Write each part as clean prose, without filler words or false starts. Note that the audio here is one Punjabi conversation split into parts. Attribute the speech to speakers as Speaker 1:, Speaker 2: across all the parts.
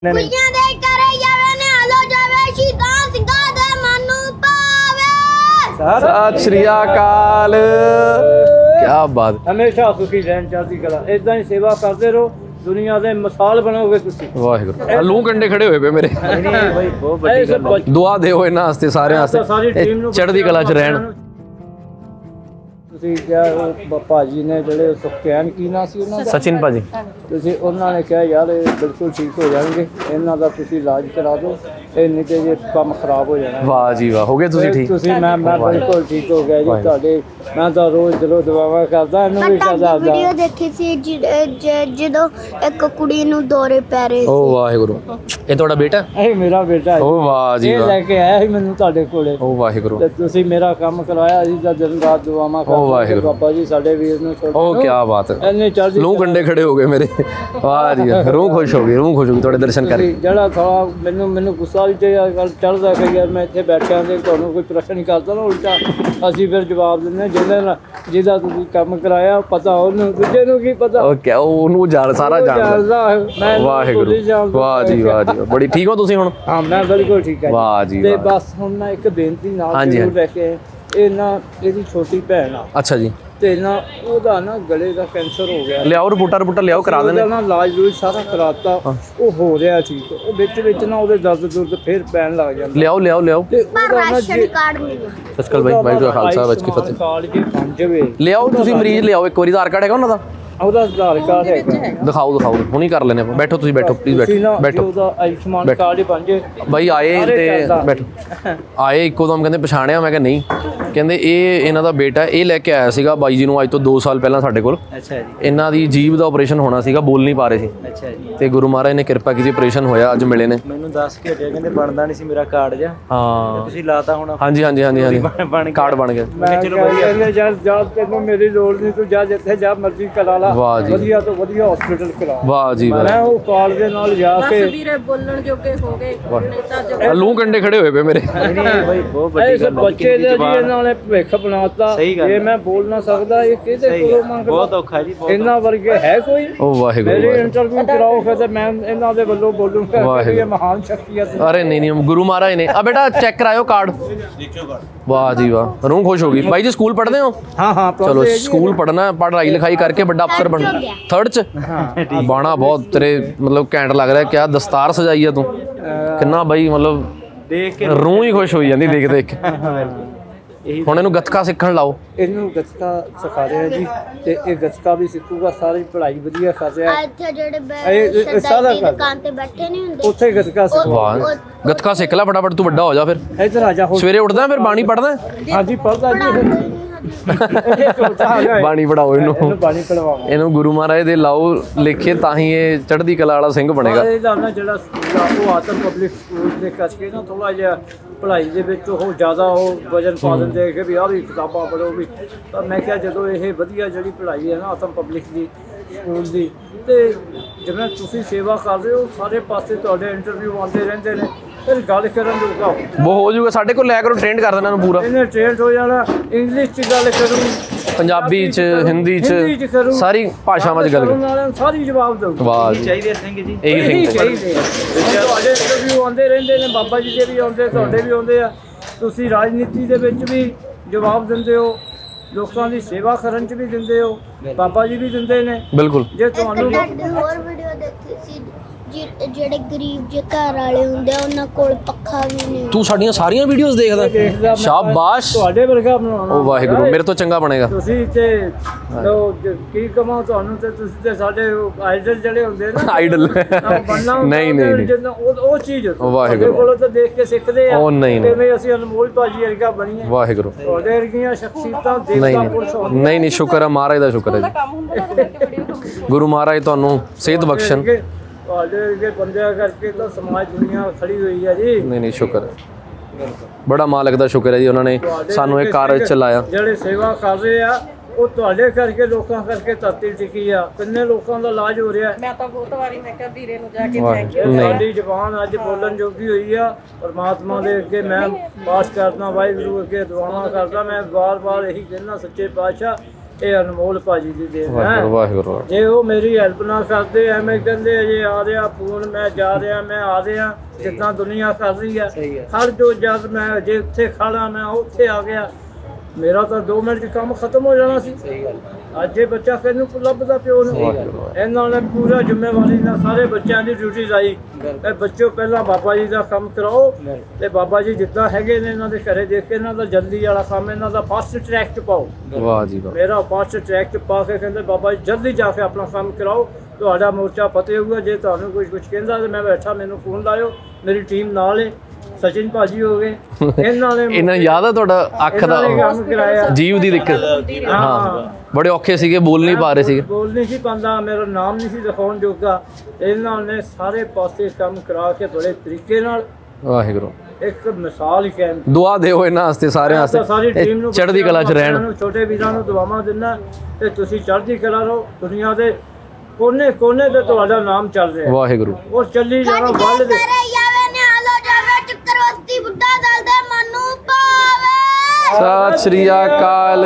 Speaker 1: ਕੁੜੀਆਂ ਦੇ ਘਰੇ ਜਾਵੇ ਨੇ ਹਲੋ ਜਾਵੇ ਸ਼ੀਤਾਂ ਸਿੰਘਾਂ ਦੇ ਮਨ ਨੂੰ ਪਾਵੇ।
Speaker 2: ਸਤਿ ਸ਼੍ਰੀ ਅਕਾਲ। ਕੀ ਬਾਤ।
Speaker 3: ਹਮੇਸ਼ਾ ਸੁਖੀ ਰਹਿਣ, ਚੜ੍ਹਦੀ ਕਲਾ। ਇਦਾਂ ਹੀ ਸੇਵਾ ਕਰਦੇ ਰਹੋ, ਦੁਨੀਆ ਦੇ ਮਿਸਾਲ ਬਣੋਗੇ ਤੁਸੀਂ।
Speaker 2: ਵਾਹਿਗੁਰੂ। ਲੂ ਕੰਡੇ ਖੜੇ ਹੋਏ ਪਏ ਮੇਰੇ।
Speaker 3: ਨਹੀਂ ਭਾਈ, ਬਹੁਤ ਵੱਡੀ ਗੱਲ ਹੈ।
Speaker 2: ਦੁਆ ਦਿਓ ਇਹਨਾਂ ਵਾਸਤੇ, ਸਾਰਿਆਂ ਵਾਸਤੇ,
Speaker 3: ਸਾਰੀ ਟੀਮ ਨੂੰ
Speaker 2: ਚੜ੍ਹਦੀ ਕਲਾ 'ਚ ਰਹਿਣ।
Speaker 3: ਤੁਸੀਂ ਕਿਹਾ ਉਹ ਭਾਜੀ ਨੇ ਜਿਹੜੇ ਸੁਖਚੈਨ ਕੀ ਨਾਂ ਸੀ ਉਹਨਾਂ ਦਾ,
Speaker 2: ਸਚਿਨ ਭਾਜੀ,
Speaker 3: ਤੁਸੀਂ ਉਹਨਾਂ ਨੇ ਕਿਹਾ ਯਾਰ ਇਹ ਬਿਲਕੁਲ ਠੀਕ ਹੋ ਜਾਣਗੇ, ਇਹਨਾਂ ਦਾ ਤੁਸੀਂ ਇਲਾਜ ਕਰਾ ਦਿਓ, ਇਹ ਨਹੀਂ ਤੇ ਜੇ ਕੰਮ ਖਰਾਬ ਹੋ ਜਾਣਾ।
Speaker 2: ਵਾਹ ਜੀ ਵਾਹ, ਹੋ ਗਏ ਤੁਸੀਂ ਠੀਕ?
Speaker 3: ਤੁਸੀਂ ਮੈਂ ਬਿਲਕੁਲ ਠੀਕ ਹੋ ਗਿਆ ਜੀ ਤੁਹਾਡੇ। ਮੈਂ ਤਾਂ ਰੋਜ਼ ਦਿਲੋਂ ਦੁਆਵਾਂ ਕਰਦਾ, ਇਹਨੂੰ ਵੀ ਕਰਦਾ।
Speaker 1: ਵੀਡੀਓ ਦੇਖੀ ਸੀ ਜਦੋਂ ਇੱਕ ਕੁੜੀ ਨੂੰ ਦੌਰੇ ਪੈ ਰਹੇ
Speaker 2: ਓ
Speaker 1: ਸੀ।
Speaker 2: ਵਾਹਿਗੁਰੂ। ਇਹ ਤੁਹਾਡਾ ਬੇਟਾ?
Speaker 3: ਇਹ ਮੇਰਾ ਬੇਟਾ ਹੈ।
Speaker 2: ਓ ਵਾਹ ਜੀ
Speaker 3: ਇਹ
Speaker 2: ਵਾਹ।
Speaker 3: ਲੈ ਕੇ ਆਇਆ ਸੀ ਮੈਨੂੰ ਤੁਹਾਡੇ ਕੋਲੇ,
Speaker 2: ਓ ਵਾਹਿਗੁਰੂ।
Speaker 3: ਤੇ ਤੁਸੀਂ ਮੇਰਾ ਕੰਮ ਕਰਾਇਆ ਸੀ ਤਾਂ ਦਿਨ ਰਾਤ ਦੁਆਵਾਂ ਕਰਦੇ।
Speaker 2: ਵਾਹਿਗੁਰੂ।
Speaker 3: ਬਾਬਾ ਜੀ ਸਾਡੇ ਵੀਰ ਨੂੰ
Speaker 2: ਓ ਕੀ ਬਾਤ ਹੈ।
Speaker 3: ਇਹਨੇ ਚੜ੍ਹਦੀ
Speaker 2: ਲੂ ਕੰਡੇ ਖੜੇ ਹੋ ਗਏ ਮੇਰੇ। ਵਾਹ ਜੀ ਵਾਹ, ਰੂਹ ਖੁਸ਼ ਹੋ ਗਈ, ਰੂਹ ਖੁਸ਼ ਹੋ ਗਈ ਤੁਹਾਡੇ ਦਰਸ਼ਨ ਕਰਕੇ।
Speaker 3: ਜਿਹੜਾ ਥੋੜਾ ਮੈਨੂੰ ਗੁੱਸਾ ਵੀ ਤੇ ਗੱਲ ਚੜ੍ਹਦਾ ਕਿ ਯਾਰ ਮੈਂ ਇੱਥੇ ਬੈਠਿਆ ਤੇ ਤੁਹਾਨੂੰ ਕੋਈ ਪ੍ਰਸ਼ਨ ਹੀ ਕਰਦਾ ਨਾ ਉਲਟਾ, ਅਸੀਂ ਫਿਰ ਜਵਾਬ ਦਿੰਦੇ ਜਿਹਦਾ ਤੁਸੀਂ ਕੰਮ ਕਰਾਇਆ ਪਤਾ ਉਹਨੂੰ, ਦੂਜੇ ਨੂੰ ਕੀ ਪਤਾ।
Speaker 2: ਓ ਕੀ, ਉਹਨੂੰ ਜਾਣ ਸਾਰਾ ਜਾਣਦਾ।
Speaker 3: ਮੈਂ
Speaker 2: ਵਾਹਿਗੁਰੂ। ਵਾਹ ਜੀ ਵਾਹ ਜੀ, ਬੜੀ ਠੀਕ ਹੋ ਤੁਸੀਂ ਹੁਣ?
Speaker 3: ਹਾਂ ਮੈਂ ਬਿਲਕੁਲ ਠੀਕ ਹੈ।
Speaker 2: ਵਾਹ ਜੀ
Speaker 3: ਤੇ
Speaker 2: ਵਾਹ।
Speaker 3: ਬਸ ਹੁਣ ਮੈਂ ਇੱਕ ਬੇਨਤੀ ਨਾਲ
Speaker 2: ਹਾਂਜੀ,
Speaker 3: ਜ਼ਰੂਰ ਲੈ ਕੇ, ਇਹ ਨਾ ਇਹਦੀ ਛੋਟੀ ਭੈਣ ਆ,
Speaker 2: ਅੱਛਾ ਜੀ।
Speaker 3: ਤੇ ਨਾ ਉਹਦਾ ਨਾ ਗਲੇ ਦਾ ਕੈਂਸਰ ਹੋ ਗਿਆ।
Speaker 2: ਲਿਆਓ ਰਿਪੋਰਟਾਂ ਲਿਆਓ, ਕਰਾ ਦੇਣੇ।
Speaker 3: ਉਹਦਾ ਨਾ ਇਲਾਜ ਲੂਜ ਸਾਰਾ ਕਰਾਤਾ, ਉਹ ਹੋ ਰਿਹਾ ਠੀਕ। ਉਹ ਵਿੱਚ ਨਾ ਉਹਦੇ ਦਰਦ ਫੇਰ ਪੈਣ ਲੱਗ ਜਾਂਦਾ।
Speaker 2: ਲਿਆਓ।
Speaker 3: ਤੇ
Speaker 1: ਪਰ
Speaker 3: ਉਹਦਾ ਨਾ
Speaker 1: ਰਾਸ਼ਨ ਕਾਰਡ ਮਿਲਿਆ।
Speaker 2: ਸਸਕਲ ਬਾਈ, ਵਾਹਿਗੁਰੂ ਦਾ ਖਾਲਸਾ, ਵਾਹਿਗੁਰੂ ਕੀ ਫਤਿਹ।
Speaker 3: ਕਾਰਡ ਜੇ ਬਣ ਜਾਵੇ,
Speaker 2: ਲਿਆਓ ਤੁਸੀਂ ਮਰੀਜ਼ ਲਿਆਓ ਇੱਕ ਵਾਰੀ। ਆਧਾਰ ਕਾਰਡ ਹੈਗਾ ਉਹਨਾਂ ਦਾ?
Speaker 3: ਉਹਦਾ ਆਧਾਰ ਕਾਰਡ ਹੈਗਾ।
Speaker 2: ਦਿਖਾਓ ਹੁਣੀ ਕਰ ਲੈਣੇ ਆਪਾਂ। ਬੈਠੋ ਤੁਸੀਂ, ਬੈਠੋ ਪਲੀਜ਼, ਬੈਠੋ।
Speaker 3: ਉਹਦਾ ਆਯੁਸ਼ਮਾਨ ਕਾਰਡ ਹੀ ਬਣ ਜੇ।
Speaker 2: ਬਾਈ ਆਏ ਤੇ ਬੈਠੋ। ਆਏ ਇੱਕੋ ਦਮ ਕਹਿੰਦੇ ਪਛਾਣਿਆ? ਮੈਂ ਕਿਹਾ ਨਹੀਂ। ਕਹਿੰਦੇ ਇਹ ਇਹਨਾਂ ਦਾ ਬੇਟਾ, ਇਹ ਲੈ ਕੇ ਆਇਆ ਸੀਗਾ ਬਾਈ ਜੀ ਨੂੰ ਅੱਜ ਤੋਂ 2 ਸਾਲ ਪਹਿਲਾਂ ਸਾਡੇ ਕੋਲ।
Speaker 3: ਅੱਛਾ ਜੀ।
Speaker 2: ਇਹਨਾਂ ਦੀ ਜੀਭ ਦਾ ਆਪਰੇਸ਼ਨ ਹੋਣਾ ਸੀਗਾ, ਬੋਲ ਨਹੀਂ ਪਾ ਰਹੇ ਸੀ।
Speaker 3: ਅੱਛਾ ਜੀ।
Speaker 2: ਤੇ ਗੁਰੂ ਮਹਾਰਾਜ ਨੇ ਕਿਰਪਾ ਕੀਤੀ, ਆਪਰੇਸ਼ਨ ਹੋਇਆ, ਅੱਜ ਮਿਲੇ ਨੇ।
Speaker 3: ਮੈਨੂੰ ਦੱਸ ਕੇ ਹਟਿਆ, ਕਹਿੰਦੇ ਬਣਦਾ ਨਹੀਂ ਸੀ ਮੇਰਾ ਕਾਰਡ ਜਾ।
Speaker 2: ਹਾਂ
Speaker 3: ਤੁਸੀਂ ਲਾਤਾ ਹੁਣ?
Speaker 2: ਹਾਂਜੀ ਕਾਰਡ ਬਣ ਗਿਆ।
Speaker 3: ਮੈਂ ਚਲੋ ਵਧੀਆ। ਜਾ ਤੈਨੂੰ ਮੇਰੀ ਲੋੜ ਨਹੀਂ, ਤੂੰ ਜਾ ਜਿੱਥੇ ਜਾ ਮਰਜ਼ੀ ਕਰਾ ਲਾ।
Speaker 2: ਵਾਹ ਜੀ।
Speaker 3: ਵਧੀਆ ਤੋਂ ਵਧੀਆ ਹਸਪੀਟਲ ਕਰਾ।
Speaker 2: ਵਾਹ ਜੀ ਵਾਹ।
Speaker 3: ਮੈਂ ਉਹ ਕਾਰਡ ਦੇ ਨਾਲ ਜਾ ਕੇ
Speaker 4: ਵੀਰੇ ਬੋਲਣ ਜੋਗੇ ਹੋ ਗਏ, ਨੇਤਾ ਜੋ
Speaker 2: ਲੂ ਕੰਡੇ ਖੜੇ ਹੋਏ ਪਏ ਮੇਰੇ।
Speaker 3: ਨਹੀਂ ਭਾਈ, ਬਹੁਤ ਵੱਡੀ ਗੱਲ ਹੈ। ਬੱਚੇ ਦੇ ਜੀ ਇਹਨਾਂ ਨੇ ਭਵਿੱਖ ਬਣਾਤਾ। ਇਹ ਮੈਂ ਬੋਲ ਨਾ ਸਕਦਾ, ਇਹ ਕਿਹਦੇ ਕੋਲੋਂ ਮੰਗਦਾ? ਬਹੁਤ ਔਖਾ ਜੀ। ਇਹਨਾਂ ਵਰਗੇ ਹੈ ਕੋਈ?
Speaker 2: ਓ ਵਾਹਿਗੁਰੂ।
Speaker 3: ਮੇਰੇ ਇੰਟਰਵਿਊ ਕਰਾਓ ਫਿਰ ਤੇ ਮੈਂ ਇਹਨਾਂ ਦੇ ਵੱਲੋਂ ਬੋਲੂੰਗਾ ਕਿ ਇਹ ਮਹਾਨ ਸ਼ਖਸੀਅਤ।
Speaker 2: ਅਰੇ ਨਹੀਂ ਗੁਰੂ ਮਹਾਰਾਜ ਨੇ। ਆ ਬੇਟਾ ਚੈੱਕ ਕਰਾਇਓ ਕਾਰਡ। ਵਾਹ ਜੀ ਵਾਹ, ਰੂਹ ਖੁਸ਼ ਹੋ ਗਈ। ਬਾਈ ਜੀ ਸਕੂਲ ਪੜ੍ਹਦੇ ਹੋ?
Speaker 3: ਹਾਂ
Speaker 2: ਚਲੋ ਸਕੂਲ ਪੜ੍ਹਨਾ, ਪੜ੍ਹਾਈ ਲਿਖਾਈ ਕਰਕੇ ਵੱਡਾ ਅਫਸਰ ਬਣਨਾ। 3rd 'ਚ ਬਾਣਾ ਬਹੁਤ ਤੇਰੇ ਮਤਲਬ ਘੈਂਟ ਲੱਗ ਰਿਹਾ। ਕਿਆ ਦਸਤਾਰ ਸਜਾਈ ਆ ਤੂੰ, ਕਿੰਨਾ ਬਾਈ ਮਤਲਬ
Speaker 3: ਦੇਖ ਕੇ
Speaker 2: ਰੂਹ ਹੀ ਖੁਸ਼ ਹੋਈ ਜਾਂਦੀ ਦੇਖ ਕੇ। ਹੁਣ ਇਹਨੂੰ ਗੱਤਕਾ ਸਿੱਖਣ ਲਾਓ।
Speaker 3: ਇਹਨੂੰ ਗੱਤਕਾ ਸਿਖਾ ਰਹੇ ਆ ਜੀ, ਤੇ ਇਹ ਗੱਤਕਾ ਵੀ ਸਿੱਖੂਗਾ। ਸਾਰੀ ਪੜ੍ਹਾਈ ਵਧੀਆ ਕਰ ਰਿਹਾ।
Speaker 1: ਇੱਥੇ ਜਿਹੜੇ
Speaker 3: ਇਹ ਸਾਰਾ
Speaker 1: ਸਰਦਾਈ ਦੀ ਦੁਕਾਨ ਤੇ ਬੈਠੇ ਨਹੀਂ ਹੁੰਦੇ,
Speaker 3: ਉੱਥੇ ਗੱਤਕਾ ਸਿੱਖੋ।
Speaker 2: ਵਾਹ, ਗੱਤਕਾ ਸਿੱਖ ਲੈ ਫਟਾਫਟ, ਤੂੰ ਵੱਡਾ ਹੋ ਜਾ। ਫਿਰ
Speaker 3: ਇੱਧਰ ਆ ਜਾ।
Speaker 2: ਸਵੇਰੇ ਉੱਠਦਾ ਫਿਰ ਬਾਣੀ ਪੜ੍ਹਦਾ?
Speaker 3: ਹਾਂਜੀ ਪੜ੍ਹਦਾ ਜੀ।
Speaker 2: ਬਾਣੀ ਪੜਾਓ ਇਹਨੂੰ,
Speaker 3: ਬਾਣੀ ਪੜਵਾਓ
Speaker 2: ਇਹਨੂੰ ਗੁਰੂ ਮਹਾਰਾਜ ਦੇ ਲਾਓ ਲਿਖੇ, ਤਾਂ ਹੀ ਇਹ ਚੜ੍ਹਦੀ ਕਲਾ ਵਾਲਾ ਸਿੰਘ ਬਣੇਗਾ।
Speaker 3: ਇਹਦਾ ਨਾ ਜਿਹੜਾ ਸਕੂਲ ਆ ਉਹ ਆਤਮ ਪਬਲਿਕ ਸਕੂਲ ਦੇ ਕਰਕੇ ਨਾ ਥੋੜਾ ਜਿਹਾ ਪੜ੍ਹਾਈ ਦੇ ਵਿੱਚ ਉਹ ਜ਼ਿਆਦਾ ਉਹ ਵਜਨ ਪਾ ਦਿੰਦੇ ਕਿ ਵੀ ਆਹ ਵੀ ਕਿਤਾਬਾਂ ਪੜ੍ਹੋ ਵੀ। ਤਾਂ ਮੈਂ ਕਿਹਾ ਜਦੋਂ ਇਹ ਵਧੀਆ ਜਿਹੜੀ ਪੜ੍ਹਾਈ ਹੈ ਨਾ ਆਤਮ ਪਬਲਿਕ ਦੀ ਸਕੂਲ ਦੀ, ਤੇ ਜਿਵੇਂ ਤੁਸੀਂ ਸੇਵਾ ਕਰ ਰਹੇ ਹੋ, ਸਾਰੇ ਪਾਸੇ ਤੁਹਾਡੇ ਇੰਟਰਵਿਊ ਆਉਂਦੇ ਰਹਿੰਦੇ ਨੇ, ਫਿਰ ਗੱਲ ਕਰਨ ਜੋਗਾ
Speaker 2: ਉਹ ਹੋ ਜਾਊਗਾ। ਸਾਡੇ ਕੋਲ ਲੈ ਕਰੋ, ਟ੍ਰੇਨ ਕਰ ਦੇਣਾ ਇਹਨੂੰ ਪੂਰਾ।
Speaker 3: ਇਹਨੇ ਟ੍ਰੇਨਡ ਹੋ ਜਾਣਾ। ਇੰਗਲਿਸ਼ 'ਚ ਗੱਲ ਕਰੂ,
Speaker 2: ਪੰਜਾਬੀ 'ਚ, ਹਿੰਦੀ 'ਚ, ਸਾਰੀ ਭਾਸ਼ਾਵਾਂ 'ਚ ਗੱਲ ਕਰੂ,
Speaker 3: ਸਾਰੀ ਜਵਾਬ ਦਊ।
Speaker 2: ਵਾਹ ਜੀ,
Speaker 3: ਚਾਹੀਦੇ ਸਿੰਘ ਜੀ,
Speaker 2: ਇਹੀ ਸਿੰਘ
Speaker 3: ਚਾਹੀਦੇ। ਤੁਹਾਡੇ ਇੰਟਰਵਿਊ ਆਉਂਦੇ ਰਹਿੰਦੇ ਨੇ, ਬਾਬਾ ਜੀ ਦੇ ਵੀ ਆਉਂਦੇ, ਤੁਹਾਡੇ ਵੀ ਆਉਂਦੇ ਆ। ਤੁਸੀਂ ਰਾਜਨੀਤੀ ਦੇ ਵਿੱਚ ਵੀ ਜਵਾਬ ਦਿੰਦੇ ਹੋ, ਲੋਕਾਂ ਦੀ ਸੇਵਾ ਕਰਨ 'ਚ ਵੀ ਦਿੰਦੇ ਹੋ, ਬਾਬਾ ਜੀ ਵੀ ਦਿੰਦੇ ਨੇ।
Speaker 2: ਬਿਲਕੁੁਲ।
Speaker 3: ਜੇ ਤੁਹਾਨੂੰ
Speaker 1: ਹੋਰ ਵੀਡੀਓ ਦੇਖੀ ਸੀ ਜਿਹੜੇ ਗਰੀਬ ਜੇ ਘਰ ਵਾਲੇ ਹੁੰਦੇ ਆ, ਉਹਨਾਂ ਕੋਲ ਪੱਖਾ ਵੀ ਨਹੀਂ।
Speaker 2: ਤੂੰ ਸਾਡੀਆਂ ਸਾਰੀਆਂ ਵੀਡੀਓਜ਼ ਦੇਖਦਾ? ਸ਼ਾਬਾਸ਼,
Speaker 3: ਤੁਹਾਡੇ ਵਰਗਾ ਬਣਾਉਣਾ।
Speaker 2: ਉਹ ਵਾਹਿਗੁਰੂ, ਮੇਰੇ ਤੋਂ ਚੰਗਾ ਬਣੇਗਾ।
Speaker 3: ਤੁਸੀਂ ਤੇ ਕੀ ਕਮਾਂ ਤੁਹਾਨੂੰ, ਤੇ ਤੁਸੀਂ ਤੇ ਸਾਡੇ ਆਈਡਲ ਜਿਹੜੇ ਹੁੰਦੇ ਨਾ,
Speaker 2: ਆਈਡਲ
Speaker 3: ਨਹੀਂ ਉਹ ਚੀਜ਼
Speaker 2: ਵਾਹਿਗੁਰੂ
Speaker 3: ਕੋਲੋਂ ਤਾਂ ਦੇਖ ਕੇ ਸਿੱਖਦੇ ਆ।
Speaker 2: ਉਹ ਨਹੀਂ
Speaker 3: ਕਿਵੇਂ ਅਸੀਂ ਅਨਮੋਲ ਭਾਜੀ ਵਰਗਾ ਬਣੀਏ।
Speaker 2: ਵਾਹਿਗੁਰੂ।
Speaker 3: ਤੁਹਾਡੇ ਵਰਗੀਆਂ ਸ਼ਖਸੀਅਤਾਂ ਦੇਵਤਾ ਪੁਰਸ਼ ਹੁੰਦੇ।
Speaker 2: ਨਹੀਂ ਸ਼ੁਕਰ ਹੈ ਮਹਾਰਾਜ ਦਾ, ਸ਼ੁਕਰ ਹੈ
Speaker 4: ਕੰਮ ਹੁੰਦਾ ਨਾ ਦੇਖ ਕੇ ਵੀਡੀਓ
Speaker 2: ਗੁਰੂ ਮਹਾਰਾਜ ਤੁਹਾਨੂੰ ਸਿਹਤ ਬਖਸ਼ਣ।
Speaker 3: ਤੁਹਾਡੇ ਵਰਗੇ ਬੰਦਿਆਂ ਕਰਕੇ ਤਾਂ ਸਮਾਜ ਦੁਨੀਆ ਖੜੀ ਹੋਈ ਹੈ ਜੀ।
Speaker 2: ਨਹੀਂ ਸ਼ੁਕਰ ਹੈ, ਬੜਾ ਮਾਲਕ ਦਾ ਸ਼ੁਕਰ ਹੈ ਜੀ, ਉਹਨਾਂ ਨੇ ਸਾਨੂੰ ਇਹ ਕਾਰਜ ਚਲਾਇਆ।
Speaker 3: ਜਿਹੜੇ ਸੇਵਾ ਕਰ ਰਹੇ ਆ ਉਹ ਤੁਹਾਡੇ ਕਰਕੇ, ਲੋਕਾਂ ਕਰਕੇ ਧਰਤੀ ਟਿਕੀ ਆ। ਕਿੰਨੇ ਲੋਕਾਂ ਦਾ ਇਲਾਜ ਹੋ ਰਿਹਾ।
Speaker 4: ਮੈਂ ਤਾਂ ਬਹੁਤ ਵਾਰੀ ਮੈਂ ਕਿਹਾ ਵੀਰੇ ਨੂੰ ਜਾ ਕੇ ਥੈਂਕ ਯੂ।
Speaker 3: ਸਾਡੀ ਜ਼ੁਬਾਨ ਅੱਜ ਬੋਲਣ ਜੋਗੀ ਹੋਈ ਆ। ਪਰਮਾਤਮਾ ਦੇ ਅੱਗੇ ਮੈਂ ਪਾਸ ਕਰਦਾ, ਵਾਹਿਗੁਰੂ ਅੱਗੇ ਦੁਆਵਾਂ ਕਰਦਾ। ਮੈਂ ਵਾਰ-ਵਾਰ ਇਹੀ ਕਹਿੰਦਾ, ਸੱਚੇ ਪਾਤਸ਼ਾਹ ਇਹ ਅਨਮੋਲ ਭਾਜੀ ਦੀ ਦੇਣ ਹੈ।
Speaker 2: ਵਾਹਿਗੁਰੂ ਵਾਹਿਗੁਰੂ
Speaker 3: ਜੇ ਉਹ ਮੇਰੀ ਹੈਲਪ ਨਾ ਕਰਦੇ ਐਵੇਂ ਕਹਿੰਦੇ ਅਜੇ ਆ ਰਿਹਾ ਫੋਨ ਮੈਂ ਜਾ ਰਿਹਾ ਮੈਂ ਆ ਰਿਹਾ ਜਿੱਦਾਂ ਦੁਨੀਆ ਕਰ ਰਹੀ ਆ ਹਰ ਜੋ ਜਦ ਮੈਂ ਜੇ ਉੱਥੇ ਖੜਾ ਮੈਂ ਉੱਥੇ ਆ ਗਿਆ ਮੇਰਾ ਤਾਂ 2 ਮਿੰਟ 'ਚ ਕੰਮ ਖਤਮ ਹੋ ਜਾਣਾ ਸੀ। ਅੱਜ ਇਹ ਬੱਚਾ ਕਿਹਨੂੰ ਲੱਭਦਾ ਪਿਓ ਨੂੰ ਇਹਨਾਂ ਨੇ ਪੂਰਾ ਜ਼ਿੰਮੇਵਾਰੀ ਨਾਲ ਸਾਰੇ ਬੱਚਿਆਂ ਦੀ ਡਿਊਟੀ ਲਾਈ ਤੇ ਬੱਚਿਓ ਪਹਿਲਾਂ ਬਾਬਾ ਜੀ ਦਾ ਕੰਮ ਕਰਾਓ ਤੇ ਬਾਬਾ ਜੀ ਜਿੱਦਾਂ ਹੈਗੇ ਨੇ ਇਹਨਾਂ ਦੇ ਘਰੇ ਦੇਖ ਕੇ ਇਹਨਾਂ ਦਾ ਜਲਦੀ ਵਾਲਾ ਕੰਮ ਇਹਨਾਂ ਦਾ ਫਾਸਟ ਟਰੈਕ 'ਚ ਪਾਓ।
Speaker 2: ਵਾਹ ਜੀ ਵਾਹ
Speaker 3: ਮੇਰਾ ਫਾਸਟ ਟਰੈਕ 'ਚ ਪਾ ਕੇ ਕਹਿੰਦੇ ਬਾਬਾ ਜੀ ਜਲਦੀ ਜਾ ਕੇ ਆਪਣਾ ਕੰਮ ਕਰਾਓ ਤੁਹਾਡਾ ਮੋਰਚਾ ਫਤਿਹ ਹੋਊਗਾ। ਜੇ ਤੁਹਾਨੂੰ ਕੁਝ ਕਹਿੰਦਾ ਤੇ ਮੈਂ ਬੈਠਾ ਮੈਨੂੰ ਫੋਨ ਲਾਇਓ ਮੇਰੀ ਟੀਮ ਨਾਲ ਹੈ। ਸਚਿਨ ਭਾਜੀ ਹੋ ਗਏ ਇਹਨਾਂ ਨੇ
Speaker 2: ਇਹਨਾਂ ਨੂੰ ਯਾਦ ਆ ਤੁਹਾਡਾ ਅੱਖ ਦਾ
Speaker 3: ਕੰਮ ਕਰਾਇਆ
Speaker 2: ਜੀਵ ਦੀ ਦਿੱਕਤ ਹਾਂ ਬੜੇ ਔਖੇ ਸੀਗੇ ਬੋਲ ਨਹੀਂ ਪਾ ਰਹੇ ਸੀਗੇ
Speaker 3: ਬੋਲ ਨਹੀਂ ਸੀ ਪਾਉਂਦਾ ਮੇਰਾ ਨਾਮ ਨਹੀਂ ਸੀ ਦਿਖਾਉਣ ਜੋਗਾ ਇਹਨਾਂ ਨੇ ਸਾਰੇ ਪਾਸੇ ਕੰਮ ਕਰਾ ਕੇ ਬੜੇ ਤਰੀਕੇ ਨਾਲ
Speaker 2: ਵਾਹਿਗੁਰੂ
Speaker 3: ਇੱਕ ਮਿਸਾਲ ਹੀ ਕਹਿਣ
Speaker 2: ਦੁਆ ਦਿਓ ਇਹਨਾਂ ਵਾਸਤੇ ਸਾਰਿਆਂ
Speaker 3: ਸਾਰੀ ਟੀਮ
Speaker 2: ਵਾਸਤੇ
Speaker 3: ਨੂੰ
Speaker 2: ਚੜ੍ਹਦੀ ਕਲਾ 'ਚ ਰਹਿਣ
Speaker 3: ਛੋਟੇ ਵੀਰਾਂ ਨੂੰ ਦੁਆਵਾਂ ਦਿੰਦਾ ਤੇ ਤੁਸੀਂ ਚੜ੍ਹਦੀ ਕਲਾ ਰਹੋ ਦੁਨੀਆ ਦੇ ਕੋਨੇ ਕੋਨੇ ਤੇ ਤੁਹਾਡਾ ਨਾਮ ਚੱਲ ਰਿਹਾ
Speaker 2: ਵਾਹਿਗੁਰੂ
Speaker 3: ਉਹ ਚੱਲੀ ਜਾਣਾ
Speaker 1: ਕੱਟ
Speaker 3: ਵੱਲ
Speaker 1: ਕੇ
Speaker 3: ਦੇ
Speaker 1: ਸਾਰੇ ਜਾਵੇ ਨੇ ਆਲੋ ਜਾਵੇ ਚੱਕਰਵਸਤੀ ਬੁੱਢਾ ਦਲ ਦੇ ਮਨ ਨੂੰ ਪਾਵੇ
Speaker 2: ਸਤਿ ਸ਼੍ਰੀ ਅਕਾਲ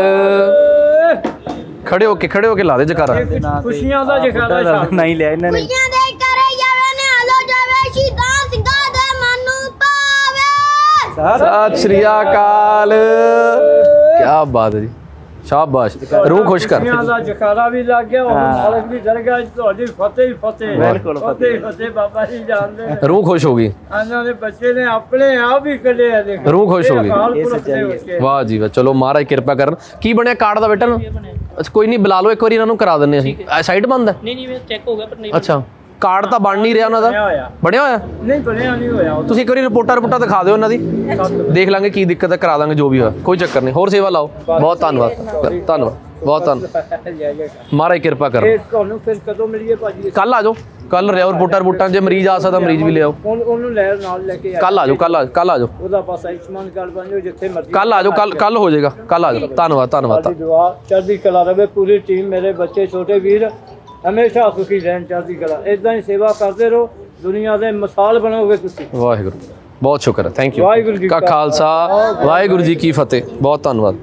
Speaker 2: ਖੜੇ ਹੋ ਕੇ ਲਾ ਦੇ ਜਕਾਰਾ
Speaker 3: ਖੁਸ਼ੀਆਂ ਦਾ ਜਖਾਰਾ ਛਾਪ
Speaker 5: ਨਹੀਂ ਲਿਆ ਇਹਨਾਂ ਨੇ
Speaker 1: ਖੁਸ਼ੀਆਂ ਦੇ ਕਰੇ ਜਾਵੇ ਨੇ ਆਲੋ ਜਾਵੇ ਸ਼ਹੀਦਾਂ ਸਿੰਘਾਂ ਦੇ ਮਨ ਨੂੰ ਪਾਵੇ
Speaker 2: ਸਤਿ ਸ਼੍ਰੀ ਅਕਾਲ ਕੀ ਬਾਤ ਹੈ ਜੀ ਸ਼ਾਬਾਸ਼ ਰੂਹ ਖੁਸ਼ ਕਰ
Speaker 3: ਖੁਸ਼ੀਆਂ ਦਾ ਜਖਾਰਾ ਵੀ ਲੱਗ ਗਿਆ ਉਹ ਮਾਲਕ ਦੀ ਦਰਗਾਹ 'ਚ ਤੁਹਾਡੀ ਫਤਿਹ ਹੀ ਫਤਿਹ
Speaker 5: ਬਿਲਕੁਲ
Speaker 3: ਫਤਿਹ ਹੀ ਫਤਿਹ ਬਾਬਾ ਜੀ ਜਾਣਦੇ ਨੇ
Speaker 2: ਰੂਹ ਖੁਸ਼ ਹੋ ਗਈ
Speaker 3: ਇਹਨਾਂ ਦੇ ਬੱਚੇ ਨੇ ਆਪਣੇ ਆਪ ਹੀ ਕੱਢਿਆ ਦੇਖ
Speaker 2: ਰੂਹ ਖੁਸ਼ ਹੋ ਗਈ।
Speaker 3: ਇਹ ਸੱਚਾਈ
Speaker 2: ਵਾਹ ਜੀ ਵਾਹ ਚਲੋ ਮਹਾਰਾਜ ਕਿਰਪਾ ਕਰਨ ਕੀ ਬਣਿਆ ਕਾਰਡ ਦਾ ਬੇਟਾ ਅੱਛਾ ਕੋਈ ਨਹੀਂ ਬੁਲਾ ਲਓ ਇੱਕ ਵਾਰੀ ਇਹਨਾਂ ਨੂੰ ਕਰਾ ਦਿੰਦੇ ਅਸੀਂ ਸਾਈਡ ਬੰਦ ਹੈ
Speaker 4: ਨਹੀਂ ਮੈਂ ਚੈੱਕ ਹੋ ਗਿਆ ਪਰ ਨਹੀਂ
Speaker 2: ਅੱਛਾ ਕਾਰਡ ਤਾਂ ਬਣ ਨਹੀਂ ਰਿਹਾ ਉਹਨਾਂ ਦਾ
Speaker 3: ਹੋਇਆ
Speaker 2: ਬਣਿਆ ਹੋਇਆ
Speaker 3: ਨਹੀਂ ਬਣਿਆ ਨਹੀਂ ਹੋਇਆ
Speaker 2: ਤੁਸੀਂ ਇੱਕ ਵਾਰੀ ਰਿਪੋਰਟਾਂ ਦਿਖਾ ਦਿਓ ਉਹਨਾਂ ਦੀ ਦੇਖ ਲਾਂਗੇ ਕੀ ਦਿੱਕਤ ਹੈ ਕਰਾ ਦਾਂਗੇ ਜੋ ਵੀ ਹੋਇਆ ਕੋਈ ਚੱਕਰ ਨਹੀਂ ਹੋਰ ਸੇਵਾ ਲਾਓ ਬਹੁਤ ਧੰਨਵਾਦ ਬਹੁਤ ਧੰਨਵਾਦ ਮਹਾਰਾਜ ਕਿਰਪਾ ਕਰ
Speaker 3: ਇਹ ਤੁਹਾਨੂੰ ਫਿਰ ਕਦੋਂ ਮਿਲੀਏ ਭਾਜੀ
Speaker 2: ਕੱਲ ਆ ਜਾਓ ਕੱਲ ਰਿਓ ਰਿਪੋਰਟਾਂ ਜੇ ਮਰੀਜ਼ ਆ ਸਕਦਾ ਮਰੀਜ਼ ਵੀ ਲਿਆਓ
Speaker 3: ਉਹਨੂੰ ਲੈ ਨਾਲ ਲੈ ਕੇ
Speaker 2: ਕੱਲ ਆ ਜਾਓ ਕੱਲ ਆ ਜਾਓ
Speaker 3: ਉਹਦਾ ਪਾਸ ਆਯੁਸ਼ਮਾਨ ਕਾਰਡ ਬਣ ਜਾਓ ਜਿੱਥੇ ਮਰਜ਼ੀ
Speaker 2: ਕੱਲ ਆ ਜਾਓ ਕੱਲ ਹੋ ਜਾਏਗਾ ਕੱਲ ਆ ਜਾਓ ਧੰਨਵਾਦ
Speaker 3: ਤੁਹਾਡੀ ਦੁਆ ਚੜ੍ਹਦੀ ਕਲਾ ਰਵੇ ਪੂਰੀ ਟੀਮ ਮੇਰੇ ਬੱਚੇ ਛੋਟੇ ਵੀਰ ਹਮੇਸ਼ਾ ਸੁਖੀ ਰਹਿਣ ਚੜ੍ਹਦੀ ਕਲਾ ਇਦਾਂ ਹੀ ਸੇਵਾ ਕਰਦੇ ਰਹੋ ਦੁਨੀਆ ਦੇ ਮਿਸਾਲ ਬਣੋਗੇ ਤੁਸੀਂ
Speaker 2: ਵਾਹਿਗੁਰੂ ਬਹੁਤ ਸ਼ੁਕਰ ਹੈ ਥੈਂਕ ਯੂ
Speaker 3: ਵਾਹਿਗੁਰੂ ਜੀ
Speaker 2: ਕਾ ਖਾਲਸਾ ਵਾਹਿਗੁਰੂ ਜੀ ਕੀ ਫਤਿਹ ਬਹੁਤ ਧੰਨਵਾਦ